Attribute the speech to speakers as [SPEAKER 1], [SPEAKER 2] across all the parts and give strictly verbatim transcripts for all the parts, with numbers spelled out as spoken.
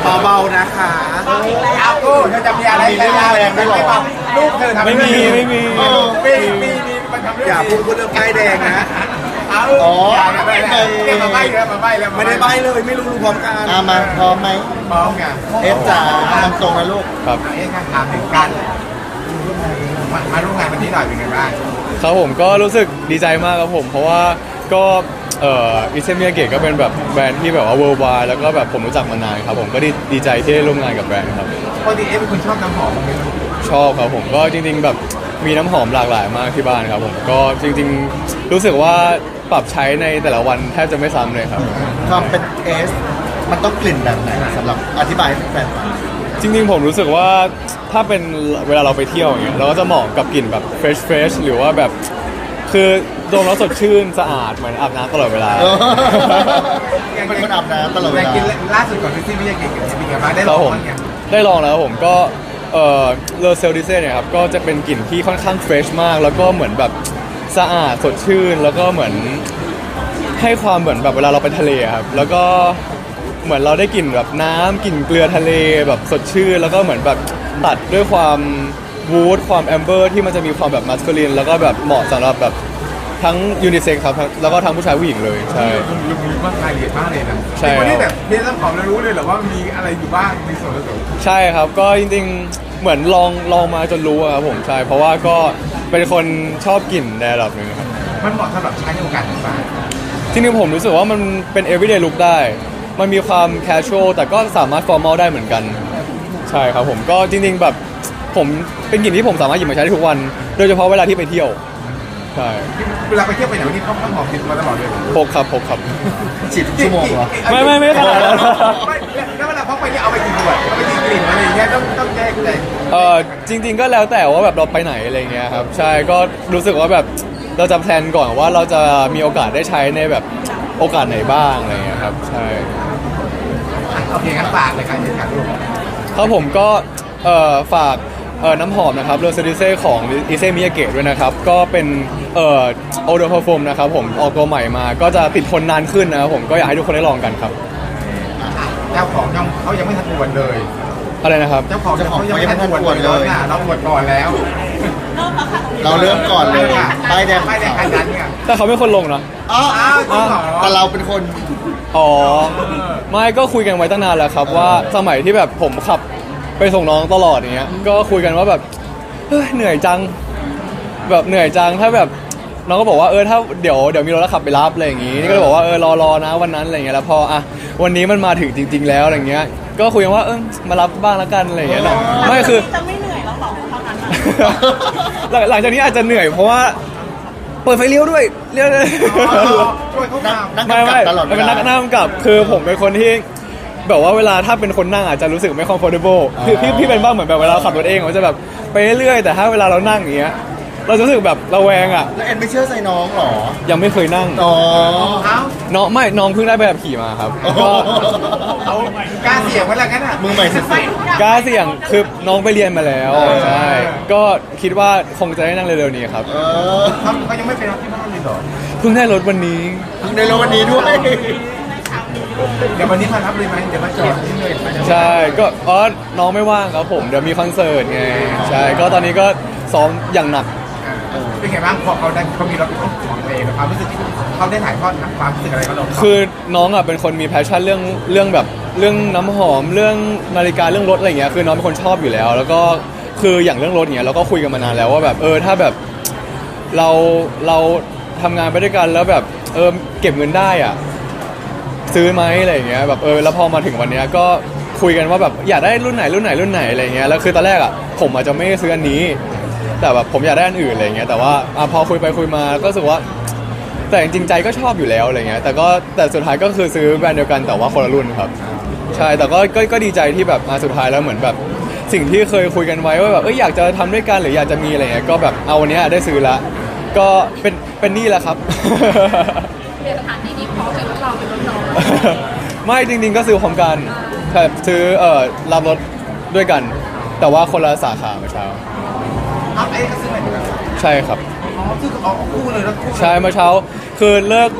[SPEAKER 1] เบาๆนะคะ
[SPEAKER 2] เอากูเธอจะมีอะไรแรงแรงไม่หรอลูกเธอทำไม่มีไม่มีมีมีมีมันทำ
[SPEAKER 1] อย่าพูดพูดเรื่องป้ายแดงนะ
[SPEAKER 2] เอาอ๋อไม่ได้มาใบ้แล้วมาใบ้แล้ว
[SPEAKER 1] ไม่ได้ใบ้เลยไม่รู้รู้พร้อมกัน
[SPEAKER 3] อามาพร้อมไหม
[SPEAKER 2] พร้อมกัน
[SPEAKER 3] เอฟจ๋าทำตรงนะลูก
[SPEAKER 2] ครับเอฟถามถึงกันมาร่วมงานวันนี้หน่อยเป็นไงบ้าง
[SPEAKER 4] ครับผมก็รู้สึกดีใจมากครับผมเพราะว่าก็เอ่ออิเซมิยาเกะก็เป็นแบบแบรนด์ที่แบบว่า worldwide แล้วก็แบบผมรู้จักมานานครับผมก็ดีดีใจที่ได้ร่วมงานกับแบรนด์ครับ
[SPEAKER 2] ปกติเอฟเป็นคนชอบน้ำหอมไหม
[SPEAKER 4] ชอบครับผมก็จริงๆแบบมีน้ำหอมหลากหลายมากที่บ้านครับผมก็จริงๆรู้สึกว่าปรับใช้ในแต่ละวันแทบจะไม่ซ้ำเลยครับ
[SPEAKER 3] ความเป็นเอสมันต้องกลิ่นแบบไหนสำหรับอธิบายให้แฟนฟัง
[SPEAKER 4] จริงๆผมรู้สึกว่าถ้าเป็นเวลาเราไปเที่ยวอย่างเงี้ยเราก็จะเหมาะกับกลิ่นแบบเฟรชเฟรชหรือว่าแบบคือดมแล้วสดชื่นสะอาดเหมือนอาบน้ำตลอดเวลา
[SPEAKER 3] เป็นคนอาบน้ำตลอดเวลา
[SPEAKER 2] กินล่าสุดก่อนที่ไม่ได้กินกับพี่กับบ้านได้ลองมั้ย
[SPEAKER 4] ได้ลองแล้วผมก็เออเลอเซลดิเซ่เนี่ยครับก็จะเป็นกลิ่นที่ค่อนข้างเฟรชมากแล้วก็เหมือนแบบสะอาดสดชื่นแล้วก็เหมือนให้ความเหมือนแบบเวลาเราไปทะเลครับแล้วก็เหมือนเราได้กลิ่นแบบน้ำกลิ่นเกลือทะเลแบบสดชื่นแล้วก็เหมือนแบบตัดด้วยความวูดความแอมเบอร์ที่มันจะมีความแบบมัสคูลินแล้วก็แบบเหมาะสำหรับแบบทั้งยูนิเซ็กซ์ครับแล้วก็ทั้งผู้ชายผู้หญิงเลยใช่
[SPEAKER 2] ลุงมีมากรายละเอียดมากเลยนะ
[SPEAKER 4] ใช่
[SPEAKER 2] คนที่แบบเรียนน้ำหอมแล้วรู้เลยเหรอว่ามีอะไรอยู่บ้างมีส่วนผสม
[SPEAKER 4] ใช่ครับก็จริงๆเหมือนลองลองมาจนรู้ครับผมใช่เพราะว่าก็เป็นคนชอบกลิ่นในระดับหนึ่งครับ
[SPEAKER 2] มันเหมาะสำหรับใช้ในโอกาสต่าง
[SPEAKER 4] ๆจริงๆผมรู้สึกว่ามันเป็น everyday look ได้มันมีความ casual แต่ก็สามารถ formal ได้เหมือนกันใช่ครับผมก็จริงๆแบบผมเป็นกลิ่นที่ผมสามารถหยิบมาใช้ได้ทุกวันโดยเฉพาะเวลาที่ไปเที่ยวใช่
[SPEAKER 2] เวลาไปเที่ยวไปไหนวันนี้เขาต้องหอมติดมาตลอดเลย
[SPEAKER 4] พกครับพกครับ
[SPEAKER 3] ฉีดทุกชั่วโมงเหรอ
[SPEAKER 4] ไม่ไม่ไม่ขนาดนั้น
[SPEAKER 2] แล้วเวลาพกไปเนี่ยเอาไปกี่ขวดเอาไปกี่กลิ่นอะไรอย่างเงี้ยต้องต้องแยกเลย
[SPEAKER 4] เออจริงๆก็แล้วแต่ว่าแบบเราไปไหนอะไรเงี้ยครับใช่ก็รู้สึกว่าแบบเราจะแพลนก่อนว่าเราจะมีโอกาสได้ใช้ในแบบโอกาสไหนบ้างอะไรเงี้ยครับใช่
[SPEAKER 2] โอเคงั้นฝากเลยการแข่งขันลูก
[SPEAKER 4] ครับผมก็เอ่อฝากเอ่อน้ำหอมนะครับเลอเซดิเซ่ของอิเซมิยาเกะด้วยนะครับก็เป็นเอ่อโอโดพาร์ฟูมนะครับผมออกตัวใหม่มาก็จะติดทนนานขึ้นนะครับผมก็อยากให้ทุกคนได้ลองกันครับ
[SPEAKER 2] เจ้าของเขายังไม่ทันอวดเลย
[SPEAKER 4] อะไรนะครับ
[SPEAKER 2] เจ้าของเขายังไม่ทันอวดเลยเราอวดก่อนแล้ว
[SPEAKER 3] เราเริ่มก่อนเลยป้ายแดง
[SPEAKER 2] ป้ายแดงคันนั้นเนี่ย
[SPEAKER 4] แต่เขาไม่คนลงนะ
[SPEAKER 3] อ๋อแต่เราเป็นคน
[SPEAKER 4] อ๋อไม่ก็คุยกันไว้ตั้งนานแล้วครับว่าสมัยที่แบบผมขับไปส่งน้องตลอดอย่างเงี้ยก็คุยกันว่าแบบเฮ้ยเหนื่อยจังแบบเหนื่อยจังถ้าแบบน้องก็บอกว่าเออถ้าเดี๋ยวเดี๋ยวมีรถแล้วขับไปรับอะไรอย่างงี้นี่ก็เลยบอกว่าเออรอรอนะวันนั้นอะไรเงี้ยแล้วพออ่ะวันนี้มันมาถึงจริงๆแล้วอะไรเงี้ยก็คุยกันว่าเออมารับบ้างแล้วกันอะไรเงี้ยไม่คือ
[SPEAKER 5] จะไม่เหนื่อยแล้วหรอเท่านั้น
[SPEAKER 4] หลังจากนี้อาจจะเหนื่อยเพราะว่าเปิดไฟเลี้ยวด้วยเลี้ยวเลย
[SPEAKER 3] ไม่ไม่ตลอดเวลา
[SPEAKER 4] เป็นนักนั่งกับคือผมเป็นคนที่แบบว่าเวลาถ้าเป็นคนนั่งอาจจะรู้สึกไม่ comfortable คือพี่พี่เป็นบ้างเหมือนแบบเวลาขับรถเองมันจะแบบไปเรื่อยแต่ถ้าเวลาเรานั่งอย่างเงี้ยเราจะรู้สึกแบบระแวงอ่ะ
[SPEAKER 3] แล้วเอ็นไม่เชื่อใจน้องหรอ
[SPEAKER 4] ยังไม่เคยนั่ง
[SPEAKER 3] อ๋อ
[SPEAKER 4] น้องไม่น้องเพิ่งได้ใบขับขี่มาครับ
[SPEAKER 2] ก็กล้าเสี่ยงไว้แล้วกันอ่ะ
[SPEAKER 3] มือใหม่สุด
[SPEAKER 4] กล้าเสี่ยงคือน้องไปเรียนมาแล้วใช่ก็คิดว่าคงจะได้นั่งเร็วๆนี้ครับ
[SPEAKER 2] เขาเขายังไม่เป็นที่บ้านเลยหรอ
[SPEAKER 4] เพิ่งได้รถวันนี้
[SPEAKER 3] เพิ่งได้รถวันนี้ด้วย
[SPEAKER 2] เดี๋ยววันนี้มารับเลยไหมเดี๋ยวมาจอด
[SPEAKER 4] ใช่ก็อ๋อน้องไม่ว่างครับผมเดี๋ยวมีคอนเสิร์ตไงใช่ก็ตอนนี้ก็ซ้อมอย่างหนัก
[SPEAKER 2] เป็นไงบ้างพอเขาได้เขามีรถของตัวเองความรู้สึกเขาได้ถ่ายทอดความรู้สึกอะไรเขาลง
[SPEAKER 4] คือน้องอ่ะเป็นคนมีแพชชั่นเรื่องเรื่องแบบเรื่องน้ำหอมเรื่องนาฬิกาเรื่องรถอะไรเงี้ยคือน้องเป็นคนชอบอยู่แล้ว แล้วก็คืออย่างเรื่องรถเงี้ยเราก็คุยกันมานานแล้วว่าแบบเออถ้าแบบเราเราทำงานไปด้วยกันแล้วแบบเออเก็บเงินได้อ่ะซื้อไหมอะไรอย่างเงี้ยแบบเออแล้วพอมาถึงวันนี้ก็คุยกันว่าแบบอยากได้รุ่นไหนรุ่นไหนรุ่นไหนอะไรเงี้ยแล้วคือตอนแรกอ่ะผมอาจจะไม่ซื้ออันนี้แต่แบบผมอยากได้อันอื่นอะไรเงี้ยแต่ว่าพอคุยไปคุยมาก็รู้สึกว่าแต่จริงใจก็ชอบอยู่แล้วอะไรเงี้ยแต่ก็แต่สุดท้ายก็คือซื้อแบรนด์เดียวกันแต่ว่าคนละรุ่นครับใช่แต่ก็ก็ก็ดีใจที่แบบมาสุดท้ายแล้วเหมือนแบบสิ่งที่เคยคุยกันไว้ว่าแบบเอออยากจะทำด้วยกันหรืออยากจะมีอะไรเงี้ยก็แบบเอาวันนี้ได้ซื้อละก็เป็นเป็นนี่แหละครับ
[SPEAKER 5] เรียนสถานที่นี้พร้อมเลยรถเราเป็นรถน้อง
[SPEAKER 4] ไม่จริงๆก็ซื้อพร้อมกันแบบซื้อเอ่อรับรถด้วยกันแต่ว่าคนละสาขาเมื่อเช้า
[SPEAKER 2] อ้าวไอ้ก็ซื้ออะไรกัน
[SPEAKER 4] ใช่ครับ
[SPEAKER 2] อ๋อซื้อเอาคู่เลยแล้ว
[SPEAKER 4] ใช่เมื่อเช้าคือเลิก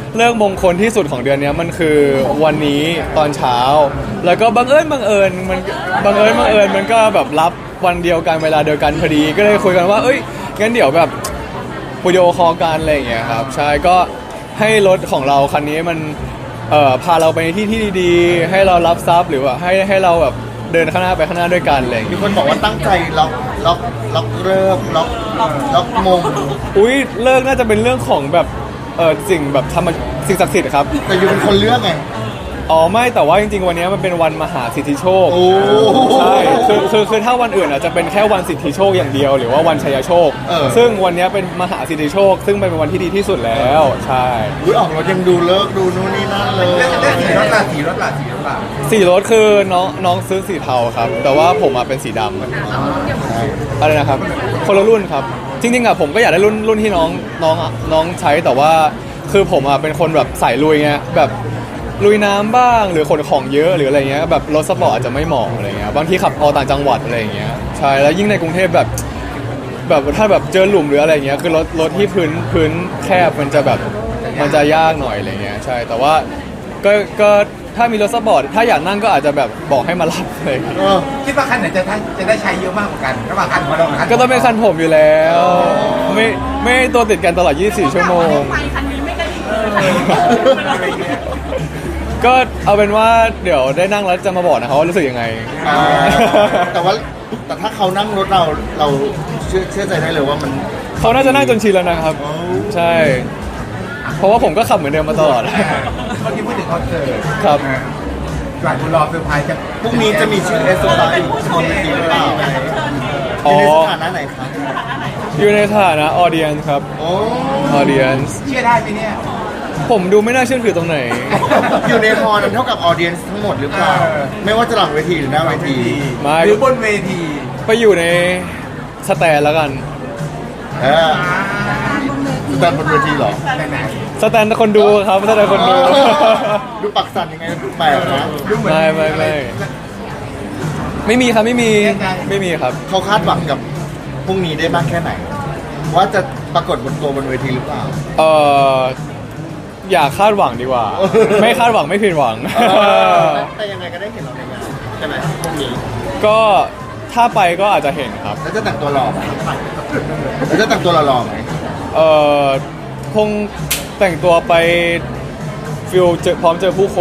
[SPEAKER 4] เลิกมงคลที่สุดของเดือนนี้มันคือวันนี้ตอนเช้า แล้วก็บังเอิญบังเอิญมันบังเอิญบังเอิญมันก็แบบรับวันเดียวกันเวลาเดียวกันพอดีก็เลยคุยกันว่าเอ้ยงั้นเดี๋ยวแบบวิดีโอคอลกันอะไรอย่างเงี้ยครับใช่ก็ให้รถของเราคันนี้มันเอ่อพาเราไปในที่ที่ดีๆให้เรารับทรัพย์หรือว่าให้ให้เราแบบเดินข้างหน้าไปข้างหน้าด้วยกันอะไรอย่าง
[SPEAKER 3] มี
[SPEAKER 4] เงี้ย
[SPEAKER 3] คนบอกว่าตั้งใจล็อกล็อกล็อกเริ่มล็อกล็อกมง
[SPEAKER 4] อุ้ยเลิกน่าจะเป็นเรื่องของแบบเออสิ่งแบบธรรมสิ่งศักดิ์สิทธิ์ครับ
[SPEAKER 3] แต่อยู่เป็นคนเลือกไง
[SPEAKER 4] อ๋อไม่แต่ว่าจริงๆวันนี้มันเป็นวันมหาสิทธิโชค
[SPEAKER 3] โอ้
[SPEAKER 4] ใช่คือคือคือถ้าวันอื่นอาจจะเป็นแค่วันสิทธิโชคอย่างเดียวหรือว่าวันชัยโชค
[SPEAKER 3] เออ
[SPEAKER 4] ซึ่งวันนี้เป็นมหาสิทธิโชค ซึ่งเป็นวันที่ดีที่สุดแล้วใช่
[SPEAKER 3] อุ้ยออกรถยังดูเลิกดูนู่นนี่นั่นเลย
[SPEAKER 2] เลือกเลือกสีรถละสีรถละสีรถละ
[SPEAKER 4] สีรถคือน้องน้องซื้อสีเทาครับ แต่ว่าผมอ่ะเป็นสีดำอะไรนะครับคนละรุ่นครับ จริงๆอ่ะผมก็อยากได้รุ่นรุ่นที่น้องน้องน้องใช้แต่ว่าคือผมอ่ะเป็นคนแบบสายลุยไงแบบลุยน้ำบ้างหรือขนของเยอะหรืออะไรเงี้ยแบบรถสปอร์ตอาจจะไม่เหมาะอะไรเงี้ยบางทีขับออกต่างจังหวัดอะไรเงี้ยใช่แล้วยิ่งในกรุงเทพแบบแบบถ้าแบบเจอหลุมหรืออะไรเงี้ยคือรถรถที่พื้นพื้นแคบมันจะแบบมันจะยากหน่อยอะไรเงี้ยใช่แต่ว่าก็ก็ถ้ามีรถสปอร์ตถ้าอยากนั่งก็อาจจะแบบบอกให้มารับเลย
[SPEAKER 3] เออ
[SPEAKER 2] คิดว่าคันไหนจะได้จะได้ใช้เยอะมากกว่ากันระหว่างคันของเรากับคัน
[SPEAKER 4] ก็ต้องเป็นคันผมอยู่แล้วไม่ไม่ตัวติดกันตลอดยี่สิบสี่ชั่วโมง
[SPEAKER 5] ไปคันนี้ไม่กระดิกเลย
[SPEAKER 4] ก็เอาเป็นว่าเดี๋ยวได้นั่งแล้วจะมาบอกนะครับว่ารู้สึกยังไง
[SPEAKER 3] อ่าแต่ว่าแต่ถ้าเขานั่งรถเราเราเชื่อเชื่อใจได้เลยว่ามัน
[SPEAKER 4] เขาน่าจะนั่งจนชินแล้วนะครับ ใช่ เพราะว่าผมก็ขับเหมือนเดิมมาตลอด
[SPEAKER 2] เมื่อกี้พูดถึงคอนเสิร์ต
[SPEAKER 4] ครับ
[SPEAKER 2] หลายคนรอเซอร์ไพรส์จะ
[SPEAKER 3] พรุ่งนี้จะมีชื่อเอสโซไลท์ชนทีหรือเปล่า
[SPEAKER 4] อ๋
[SPEAKER 3] อ
[SPEAKER 4] อ
[SPEAKER 3] ยู่ในสถานะไหนครับ
[SPEAKER 4] อยู่ในฐานะออเดียนครับ
[SPEAKER 3] โอ้
[SPEAKER 4] ออเดียน
[SPEAKER 2] เชื่อได้ไหมเนี่ย
[SPEAKER 4] ผมดูไม่น่าเชื่อถือตรงไหน
[SPEAKER 3] อยู่ในฮอลนั้นเท่ากับออเดียนทั้งหมดหรือเปล่า
[SPEAKER 2] เออ
[SPEAKER 3] ไม่ว่าจะหลังเวทีหรือหน้าเวที
[SPEAKER 4] ไม่
[SPEAKER 2] หรือบนเวที
[SPEAKER 4] ไปอยู่ในสแตนแล้วกัน
[SPEAKER 3] เออแต่บนเวทีเหรอ
[SPEAKER 2] ไหนไหน
[SPEAKER 4] สแตนคนดูครับสแตนคนดู
[SPEAKER 3] ดูปักสันยังไงแปลกนะ
[SPEAKER 2] ดูเหมือน
[SPEAKER 4] ไม่ไม่ไม่ ไม่มีครับไม่มีไม่มีครับ
[SPEAKER 3] เขาคาดหวังกับพรุ่งนี้ได้มากแค่ไหน ว่าจะปรากฏบนตัวบนเวทีหรือเปล่า
[SPEAKER 4] เอออย่าคาดหวังดีกว่า ไม่คาดหวังไม่ผิดหวัง
[SPEAKER 3] แต่ยังไงก็ได้เห็นเราในงานใช่ไหมพรุ่งนี้
[SPEAKER 4] ก็ถ้าไปก็อาจจะเห็นครับ
[SPEAKER 3] แล้วจะแต่งตัวหล่อไหมแล้วจะแต่งตัวหล่อๆไหม
[SPEAKER 4] เอ่อคงแต่งตัวไปฟิลเจอพร้อมเจอผู้คน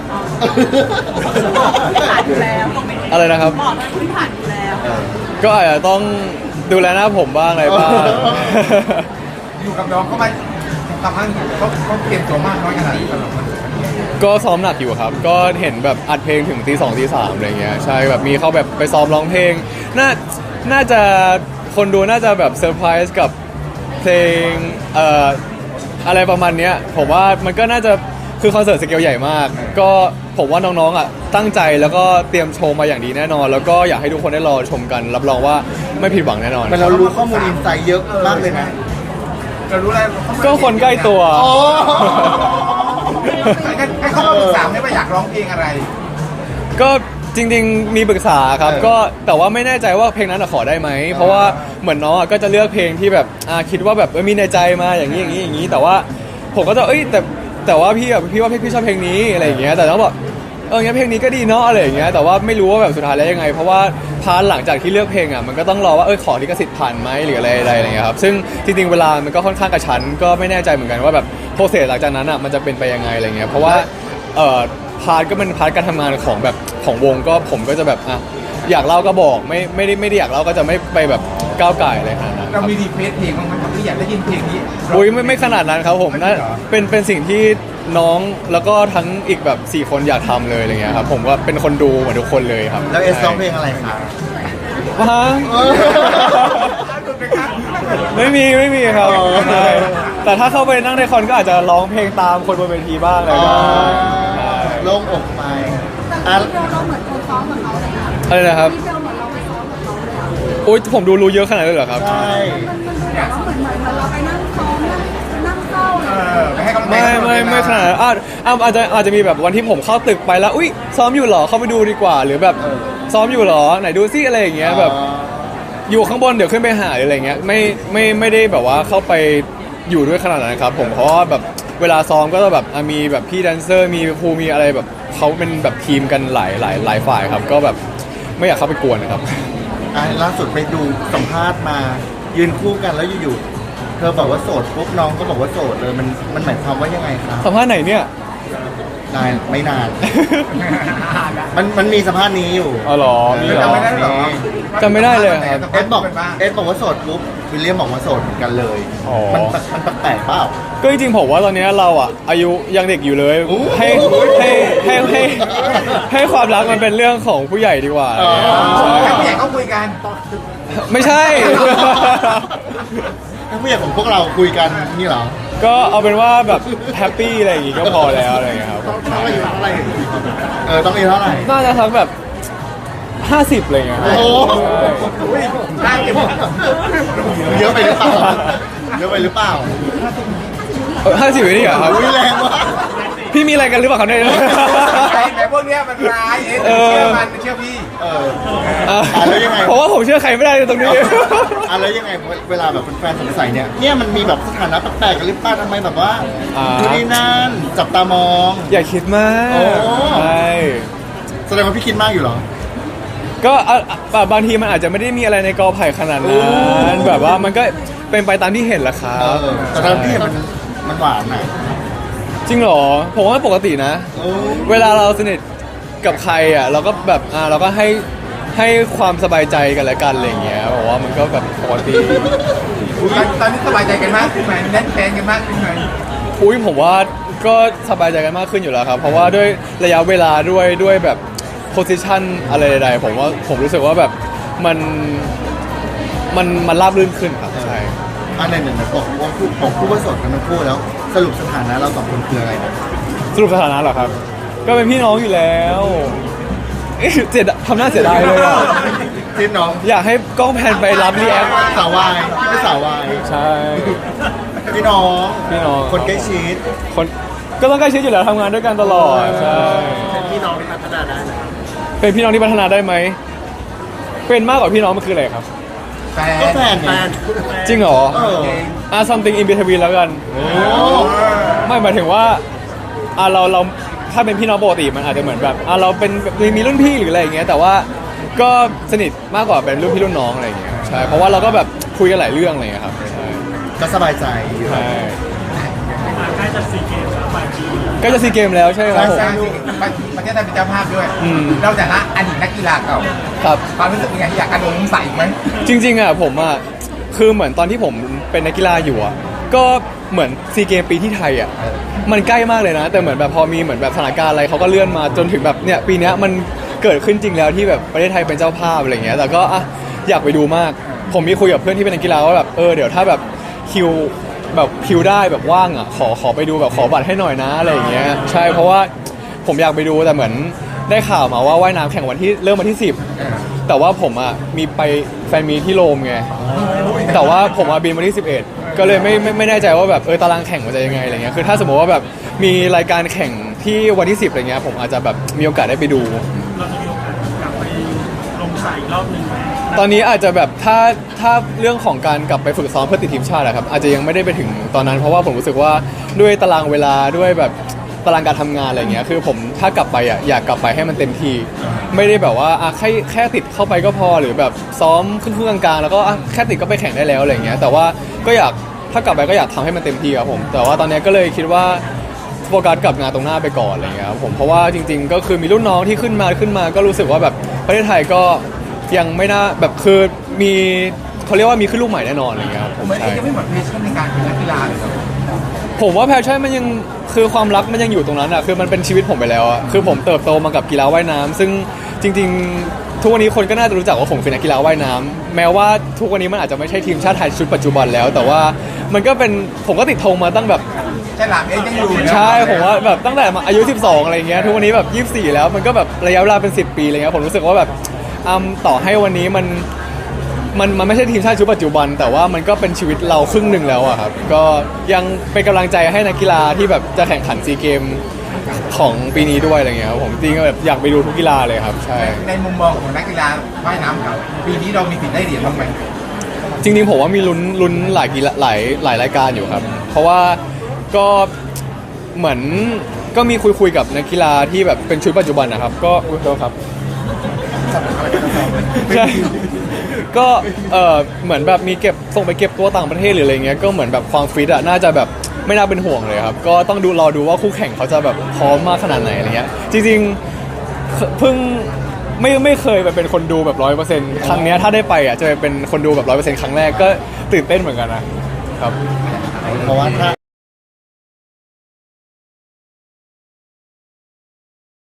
[SPEAKER 5] ผ่านอยู่แล้ว
[SPEAKER 4] อะไรนะครับ
[SPEAKER 5] บอกเลยคุณผ่านอยู่แล้ว
[SPEAKER 4] ก็อาจจะต้องดูแลหน้าผมบ้างอะไรบ้าง
[SPEAKER 2] อยู่กับน้องเขามาทำให้เขาเขาเตรียมตัวมากน้อยขนาดไหนสำหรับมัน
[SPEAKER 4] ก็ซ้อมหนักอยู่ครับ ก็เห็นแบบอัดเพลงถึงตีสองตีสามอะไรเงี้ยใช่แบบมีเขาแบบไปซ้อมร้องเพลง น่าน่าจะคนดูน่าจะแบบเซอร์ไพรส์กับเพลงเอ่ออะไรประมาณเนี้ยผมว่ามันก็น่าจะคือคอนเสิร์ตสเกลใหญ่มาก ก็ผมว่าน้องๆอ่ะตั้งใจแล้วก็เตรียมโชว์มาอย่างดีแน่นอน แล้วก็อยากให้ทุกคนได้รอชมกัน รับรองว่าไม่ผิดหวังแน่นอน
[SPEAKER 3] แต่เรารู้ข้อมูลอินไซต์เยอะมากเลยนะ
[SPEAKER 2] เรารู้อะไร
[SPEAKER 4] ก็คนใกล้ตัว
[SPEAKER 3] โอ้
[SPEAKER 2] ให้เขามาปรึกษาไหมว่าอยากร้องเพลงอะไร
[SPEAKER 4] ก็จริงๆมีปรึกษาครับก็แต่ว่าไม่แน่ใจว่าเพลงนั้นอะขอได้ไหมเพราะว่าเหมือนน้องอะก็จะเลือกเพลงที่แบบอ่าคิดว่าแบบเออมีในใจมาอย่างนี้อย่างนี้อย่างนี้แต่ว่าผมก็จะเอ้ยแต่แต่ว่าพี่แบบพี่ว่าพี่พี่ชอบเพลงนี้อะไรอย่างเงี้ยแต่น้องบอกเอองั้นเพลงนี้ก็ดีเนาะอะไรอย่างเงี้ยแต่ว่าไม่รู้ว่าแบบสุดท้ายแล้วยังไง เพราะว่าพาร์ทหลังจากที่เลือกเพลงอ่ะมันก็ต้องรอว่าเออขอลิขสิทธิ์ผ่านไหมหรืออะไรอะไรอะไรเงี้ยครับซึ่งจริงๆเวลามันก็ค่อนข้างกระชั้นก็ไม่แน่ใจเหมือนกันว่าแบบโปรเซสหลังจากนั้นอ่ะมันจะเป็นไปยังไงอะไรเงี้ยเพราะว่าเอ่อพาร์ทก็เป็นพาร์ทการทำงานของแบบของวงก็ผมก็จะแบบอ่ะอยากเล่าก็บอกไม่ไม่ได้ไม่ได้อยากเล่าก็จะไม่ไปแบบก้าวไก่อะไรขนาดนั้นค
[SPEAKER 2] เรา
[SPEAKER 4] รับ
[SPEAKER 2] มีรีเควสเพลงบ้างไหมที่อยากได้ยินเพลงนี้
[SPEAKER 4] อุ้ยไม่ไม่ขนาดนั้นครับผมน่าเป็นเป็นสิ่งที่น้องแล้วก็ทั้งอีกแบบสี่คนอยากทำเลยอะไรเงี้ยครับผมก็เป็นคนดูเหมือนทุกคนเลยครับ
[SPEAKER 3] แล้วเอสร้องเพลงอะไรคะ
[SPEAKER 4] ฮะไม่มีไม่มีครับใช่แต่ถ้าเข้าไปนั่งในคอนก็อาจจะร้องเพลงตามคนบนเวทีบ้างอะไรบ้างใช่
[SPEAKER 3] โล่งอกไปอ่ะ
[SPEAKER 5] เราเราเหมือนคนซ้อมกับเขาเลยค่ะ
[SPEAKER 4] อะไรนะครับ
[SPEAKER 5] ที่เราเหมือนเราไปซ้อมกับเขาเลยอ่ะ
[SPEAKER 4] โอ๊ยผมดูรู้เยอะขนาดนั้นเลยเหรอครับ
[SPEAKER 3] ใช่
[SPEAKER 5] มันมันดูแบบว่าเหมือนเหมือนเหมือนเราไปนั่งซ้อมนั่งนั่งเศร้าเล
[SPEAKER 2] เอย อไปให้กำลังใจ
[SPEAKER 4] ไม่ไม่ไม่ขนาดนั้นอาจอาจอาจจะอาจจะมีแบบวันที่ผมเข้าตึกไปแล้วอุ้ยซ้อมอยู่เหรอเข้าไปดูดีกว่า หรือแบบซ้อมอยู่เหรอไหนดูซิอะไรอย่างเงี้ยแบบอยู่ข้างบนเดี๋ยวขึ้นไปหาหรืออะไรเงี้ยไม่ไม่ไม่ได้แบบว่าเข้าไปอยู่ด้วยขนาดนั้นครับผมเพราะว่าแบบเวลาซ้อมก็จะแบบอ่ะมีแบบพี่แดนเซอร์มีครูมีอะไรแบบเขาเป็นแบบทีมกันหลายหลายหลายฝ่ายครับก็แบบไม่อยากเข้าไปกวนนะครับ
[SPEAKER 3] อ่ะล่าสุดไปดูสัมภาษณ์มายืนคู่กันแล้วอยู่ๆเธอบอกว่าโสดปุ๊บน้องก็บอกว่าโสดเลยมันมันหมายความว่ายังไงครับ
[SPEAKER 4] สัมภาษณ์ไหนเนี่ย
[SPEAKER 3] นานไม่นาน มันมันมีสัมภาษณ์นี้อยู่
[SPEAKER 4] อ๋อเหรอมีเหรอ
[SPEAKER 2] จำไม่ได้หรอ
[SPEAKER 4] จำไม่ได้เลยครับ
[SPEAKER 3] เอสบอกเอสบอกว่าโสดปุ๊บวิลเลียมบอกว่าโสดเหมือนกันเลย
[SPEAKER 4] อ๋อ
[SPEAKER 3] มันมันแปลกๆเปล่า
[SPEAKER 4] ก็จริงๆผมว่าตอนนี้เราอ่ะอายุยังเด็กอยู่เลย
[SPEAKER 3] โอ้โห
[SPEAKER 4] ให้ให้ให้ให้ให้ความรักมันเป็นเรื่องของผู้ใหญ่ดีกว่า
[SPEAKER 3] อ๋อ
[SPEAKER 2] แค่ผู้ใหญ่ก็คุยกัน
[SPEAKER 4] ไม่ใช่
[SPEAKER 3] ถ้าผู้ใหญ่ของพวกเราคุยกันนี่เหรอ
[SPEAKER 4] ก็เอาเป็นว่าแบบแฮปปี้อะไรอย่างงี้ก็พอแล้วอะไรอย่างเงี้ยครับ
[SPEAKER 3] เท่าไหร่เท่าไหร่เออต้องมีเท่าไหร่
[SPEAKER 4] น่าจะสักแบบห้าสิบอะไรอย่างเงี้ยครับ
[SPEAKER 3] โอ้
[SPEAKER 4] ใช่
[SPEAKER 2] ได้เก็บ
[SPEAKER 3] เยอะไปหรือเปล่าเยอะไปหรือเปล่า
[SPEAKER 4] ห้าสิบนี่เหรอครับ
[SPEAKER 3] อุ้ยแรงว่ะ
[SPEAKER 4] พี่มีอะไรกันหรือเปล่าครับเนี่ย
[SPEAKER 2] ไอ้แต่พวกเนี้ยมันร้ายเอ๊ะเชื่อมันเชื่อพี่
[SPEAKER 3] เออ
[SPEAKER 4] อ่ะ
[SPEAKER 3] อ่ะแล้วยังไง
[SPEAKER 4] เพราะว่าผมเชื่อใครไม่ได้เลยตรงนี้
[SPEAKER 3] อ่ะแล้วยังไงเวลาแบบแฟนๆสงสัยเนี่ยเนี่ยมันมีแบบสถานะแปลกๆกันหรือเปล่าทำไมแบบว่า
[SPEAKER 4] อ่า
[SPEAKER 3] ดูนี่นั่นจับตามอง
[SPEAKER 4] อย่าคิดมาก
[SPEAKER 3] โอ้
[SPEAKER 4] ใช่
[SPEAKER 3] แสดงว่าพี่คิดมากอยู่เหรอ
[SPEAKER 4] ก็อ่ะอ่ะบางทีมันอาจจะไม่ได้มีอะไรในกอไผ่ขนาดนั้นแบบว่ามันก็เป็นไปตามที่เห็นแหละครั
[SPEAKER 3] เอบ อแต่ตอนที่เห็นมันมันหวานน่ะ
[SPEAKER 4] จริงเหรอผมว่าปกตินะ
[SPEAKER 3] โอ้
[SPEAKER 4] เวลาเราสนิทกับใครอ่ะเราก็แบบอ่าเราก็ให้ให้ความสบายใจกันและกันอะไรอย่างเงี้ยบอกว่ามันก็แบบปกติ
[SPEAKER 2] ตอนตอนนี้สบายใจกันมากขึ้นไหมแน่นแฟนกันมากขึ้นไหม
[SPEAKER 4] อุ้ยผมว่าก็สบายใจกันมากขึ้นอยู่แล้วครับ เพราะว่าด้วยระยะเวลาด้วยด้วยแบบโพสิชันอะไรใดๆผมว่าผมรู้สึกว่าแบบมันมันมันราบรื่นขึ้นครับใช่
[SPEAKER 3] อันไหนหนึ่งบอกว่าพูดบอกพูดว่าโสดกันทั้งคู่แล้ว สรุปสถานะเราสองคนคืออะไรนะ
[SPEAKER 4] สรุปสถานะเหรอครับ ก็เป็นพี่น้องอยู่แล้วเอ๊ะเสียดายทำหน้าเสียดายเลยอ่ะ
[SPEAKER 3] ที่น้อง
[SPEAKER 4] อยากให้กล้องแพนไปรับรีแอค
[SPEAKER 3] สาววายไม่สาววาย
[SPEAKER 4] ใช่
[SPEAKER 3] พี่น้อง
[SPEAKER 4] พี่น้อง
[SPEAKER 3] คนใกล้ชิด
[SPEAKER 4] คนก็ต้องใกล้ชิดอยู่แล้วทำงานด้วยกันตลอดใช่
[SPEAKER 3] เป็นพี่น้องที่พัฒนาได้ไหม
[SPEAKER 4] เป็นพี่น้องที่พัฒนาได้ไหมเป็นมากกว่าพี่น้องมันคืออะไรครับ
[SPEAKER 2] แฟน
[SPEAKER 3] ก็แฟนไง
[SPEAKER 4] จริงเหรอ
[SPEAKER 3] เออ
[SPEAKER 4] อ่ะ something in between แล้วกัน
[SPEAKER 3] โอ้
[SPEAKER 4] ไม่หมายถึงว่าอ่ะเราเราถ้าเป็นพี่น้องปกติมันอาจจะเหมือนแบบอ่ะเราเป็นมีมีรุ่นพี่หรืออะไรอย่างเงี้ยแต่ว่าก็สนิทมากกว่าเป็นรุ่นพี่รุ่นน้องอะไรอย่างเงี้ยใช่เพราะว่าเราก็แบบคุยกันหลายเรื่องอะไรอย่างเงี้ยครับใช่
[SPEAKER 3] ก็สบายใจอยู่
[SPEAKER 4] ใช่ใกล้จะซีเกมแล้วใช่ครับผม
[SPEAKER 2] สร้างประเทศไทยเป็นเจ้าภาพด้วย
[SPEAKER 4] อืม
[SPEAKER 2] เราจากละอดีตนักกีฬาเก่า
[SPEAKER 4] ครับ
[SPEAKER 2] ความรู้สึกเป็นไงอยากกระโดดลงสระอีกไหม
[SPEAKER 4] จริงๆอ่ะผมอ่ะคือเหมือนตอนที่ผมเป็นนักกีฬาอยู่อ่ะก็เหมือนซีเกมปีที่ไทยอ่ะมันใกล้มากเลยนะ แต่เหมือนแบบพอมีเหมือนแบบสถานการณ์อะไรเขาก็เลื่อนมาจนถึงแบบเนี่ยปีเนี้ยมันเกิดขึ้นจริงแล้วที่แบบประเทศไทยเป็นเจ้าภาพอะไรเงี้ยแต่ก็อ่ะอยากไปดูมาก ผมมีคุยกับเพื่อนที่เป็นนักกีฬาว่าแบบเออเดี๋ยวถ้าแบบคิวแบบคิวได้แบบว่างอ่ะขอขอไปดูแบบขอบัตรให้หน่อยนะอะไรอย่างเงี้ยใช่เพราะว่าผมอยากไปดูแต่เหมือนได้ข่าวมาว่าว่ายน้ำแข่งวันที่เริ่มวันที่สิบแต่ว่าผมอ่ะมีไปแฟนมีที่โรมไงแต่ว่าผมอ่ะบินวันที่สิบเอ็ดก็เลยไม่ไม่ไม่แน่ใจว่าแบบเออตารางแข่งมันจะยังไงอะไรเงี้ยคือถ้าสมมติว่าแบบมีรายการแข่งที่วันที่สิบอะไรเงี้ยผมอาจจะแบบมีโอกาสได้ไปดู
[SPEAKER 6] เราจะมีโอกาสกลับไปลงสายอีกรอบหนึ่งไหม
[SPEAKER 4] ตอนนี้อาจจะแบบถ้าถ้าเรื่องของการกลับไปฝึกซ้อมเพื่อติดทีมชาติอะครับอาจจะยังไม่ได้ไปถึงตอนนั้นเพราะว่าผมรู้สึกว่าด้วยตารางเวลาด้วยแบบตารางการทำงานอะไรเงี้ยคือผมถ้ากลับไปอะอยากกลับไปให้มันเต็มที่ไม่ได้แบบว่าอ่ะแค่แค่ติดเข้าไปก็พอหรือแบบซ้อมครึ่งๆกลางๆแล้วก็อ่ะแค่ติดก็ไปแข่งได้แล้วอะไรเงี้ยแต่ว่าก็อยากถ้ากลับไปก็อยากทำให้มันเต็มที่ครับผมแต่ว่าตอนนี้ก็เลยคิดว่าโฟกัสกับงานตรงหน้าไปก่อนอะไรเงี้ยครับผมเพราะว่าจริง ๆ ก็คือมีรุ่นน้องที่ขึ้นมาขึ้นมาก็รู้สึกว่าแบบประเทศไทยก็ยังไม่น่าแบบคือมีเขาเรียกว่ามีขึ้นลูกใหม่แน่นอนอะไรเงี้ยครับผม
[SPEAKER 2] เหมือนเอ
[SPEAKER 4] ใช่
[SPEAKER 2] งจะไม่หมดเพชชั่นในการเป็นนักกีฬาเลยครับ
[SPEAKER 4] ผมว่าแพชชั่นมันยังคือความรักมันยังอยู่ตรงนั้นอ่ะคือมันเป็นชีวิตผมไปแล้วอ่ะคือผมเติบโตมากับกีฬาว่ายน้ำซึ่งจริง ๆ ทุกวันนี้คนก็น่าจะรู้จักว่าผมคือนักกีฬาว่ายน้ำแม้ว่าทุกวันนี้มันอาจจะไม่ใช่ทีมชาติไทยชุดปัจจุบันแล้ว แต่ว่ามันก็เป็นผมก็ติดธงมาตั้งแบบ
[SPEAKER 2] ใช่หลังเองยังอยู่นะ
[SPEAKER 4] ใช่ผมว่าแบบตั้งแต่อายุสิบสองอะไรเงี้ยทุกวันนี้แบบยี่สิบสี่แล้วมันก็แบบระยะเวลาเป็นสิบปีอะไรเงี้ยผมรู้สึกว่าแบบอืมต่อให้วันนี้มันมันมันไม่ใช่ทีมชาติชุดปัจจุบัน แต่ว่ามันก็เป็นชีวิตเราครึ่งหนึ่งแล้วอะครับก็ยังเป็นกำลังใจให้นักกีฬาที่แบบจะแข่งขันซีเกมของปีนี้ด้วยอะไรเงี้ยครับผมจริงๆแบบอยากไปดูทุกกีฬาเลยครับใช่
[SPEAKER 2] ในมุมมองของนักกีฬาว่ายน้ำเก่าปีนี้เรามีสิทธิ์ได้เหรียญบ้างไหม
[SPEAKER 4] จริงๆผมว่ามีลุ้นลุ้นหลายกีฬาหลายหลายรายการอยู่ครับ เพราะว่าก็เหมือนก็มีคุยคุยๆกับนักกีฬาที่แบบเป็นชุดปัจจุบันนะครับก็อุ้ยโทษครับใช่ก็เออเหมือนแบบมีเก็บส่งไปเก็บตัวต่างประเทศหรืออะไรเงี้ยก็เหมือนแบบความฟิตอะน่าจะแบบไม่น่าเป็นห่วงเลยครับก็ต้องดูรอดูว่าคู่แข่งเขาจะแบบพร้อมมากขนาดไหนอะไรเงี้ยจริงๆเพิ่งไม่ไม่เคยไปเป็นคนดูแบบร้อยเปอร์เซ็นต์ครั้งเนี้ยถ้าได้ไปอ่ะจะไปเป็นคนดูแบบร้อยเปอร์เซ็นต์ครั้งแรกก็ตื่นเต้นเหมือนกันนะครับ
[SPEAKER 3] เพราะว่าถ้า